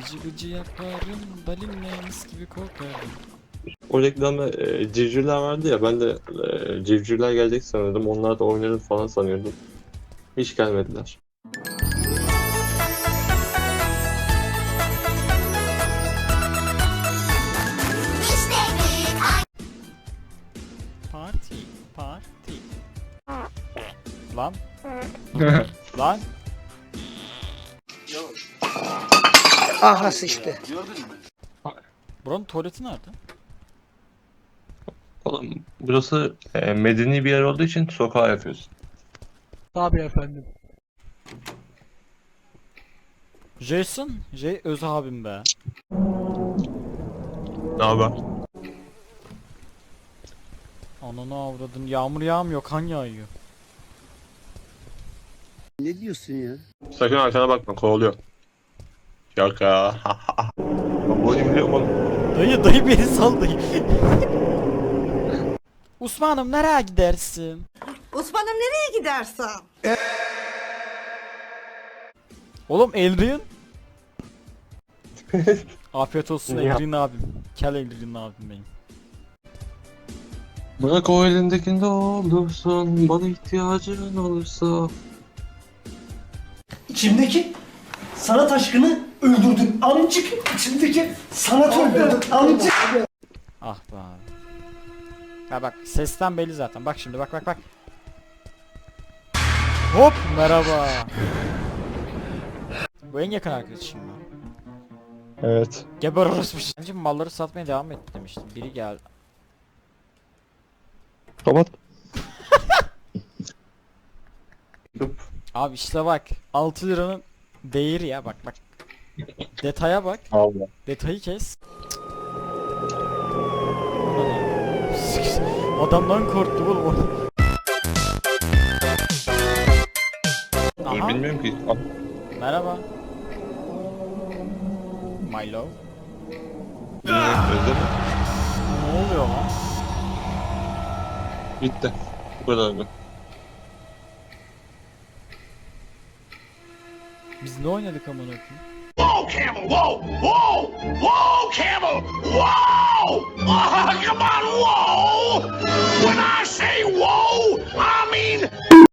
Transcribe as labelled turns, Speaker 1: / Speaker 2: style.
Speaker 1: Gıcı gıcı yaparım, balinle mis gibi kokarım.
Speaker 2: O reklamda civcivler vardı ya, ben de civcivler gelecek sanıyordum. Onlar da oynarım falan sanıyordum. Hiç gelmediler.
Speaker 1: Parti, parti. Lan. Lan.
Speaker 3: Aha sıçtı.
Speaker 1: Buranın tuvaleti nerede?
Speaker 2: Oğlum burası medeni bir yer olduğu için sokağa yapıyorsun.
Speaker 3: Tabii efendim.
Speaker 1: Jason, öz abim be.
Speaker 2: Ne haber?
Speaker 1: Ananı avradın, yağmur yağmıyor, kan yağıyor.
Speaker 4: Ne diyorsun ya?
Speaker 2: Sakın arkana bakma, kovalıyor. Şaka. Ben bu oyunu biliyorum oğlum.
Speaker 1: Dayı beni sal dayı. Osman'ım nereye gidersin?
Speaker 5: Osman'ım nereye gidersen?
Speaker 1: Oğlum Elrin. Afiyet olsun
Speaker 2: Ya.
Speaker 1: Elrin abim. Kel Elrin abim benim.
Speaker 2: Bırak o elindekinde olursun, bana ihtiyacın olursa.
Speaker 6: İçimdeki sanat aşkını öldürdün amcık. İçimdeki sanat öldürdün amcık.
Speaker 1: Ah be abi. Ha bak sesten belli zaten. Bak şimdi bak. Hop merhaba. Bu en yakın arkadaşım mı?
Speaker 2: Evet.
Speaker 1: Geber orospu. Bence malları satmaya devam et demiştim. Biri geldi.
Speaker 2: Kapat.
Speaker 1: Abi işte bak 6 liranın değeri ya bak. Detaya bak.
Speaker 2: Allah.
Speaker 1: Detayı kes. Adamdan korktum oğlum.
Speaker 2: İyi
Speaker 1: Aha.
Speaker 2: bilmiyorum ki.
Speaker 1: Merhaba. My love.
Speaker 2: Özledim.
Speaker 1: Ne oluyor lan?
Speaker 2: Bitti. Bu kadardı.
Speaker 1: Biz ne oynadık amına koyayım?
Speaker 7: Whoa, Camel! Whoa! Whoa! Whoa, Camel! Whoa! Come on, whoa! When I say whoa, I mean